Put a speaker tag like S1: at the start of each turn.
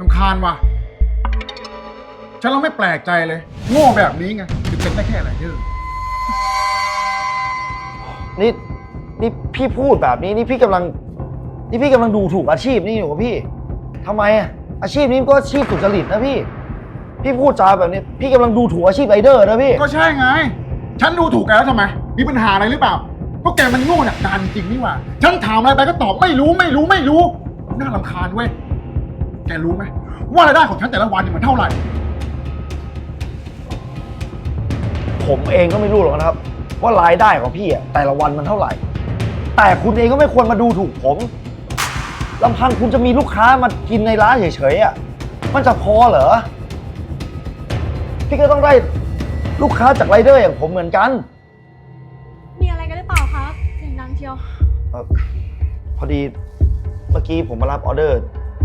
S1: รำคาญว่ะฉันเราไม่แปลกใจเลยโง่แบบนี้ไงถึงเป็นได้แค่ไรเดอร์
S2: นี่พี่พูดแบบนี้นี่พี่กำลังดูถูกอาชีพนี่อยู่กับพี่ทำไมอ่ะอาชีพนี้ก็อาชีพสุจริตนะพี่พูดจาแบบนี้พี่กำลังดูถูกอาชีพไรเดอร์นะพี่
S1: ก็ใช่ไงฉันดูถูกแกแล้วทำไมมีปัญหาอะไรหรือเปล่าก็แกมันโง่หนักการจริงนี่หว่าฉันถามอะไรไปก็ตอบไม่รู้น่ารำคาญเว้ยแกรู้ไหมว่ารายได้ของฉันแต่ละวันเนี่ยมันเท่าไหร่
S2: ผมเองก็ไม่รู้หรอกนะครับว่ารายได้ของพี่อ่ะแต่ละวันมันเท่าไหร่แต่คุณเองก็ไม่ควรมาดูถูกผมลำพังคุณจะมีลูกค้ามากินในร้านเฉยๆอ่ะมันจะพอเหรอพี่ก็ต้องได้ลูกค้าจากไรเดอร์อย่างผมเหมือนกัน
S3: มีอะไรกันหรือเปล่าคะเสียงดังเชียว
S2: พอดีเมื่อกี้ผมมารับออเดอร์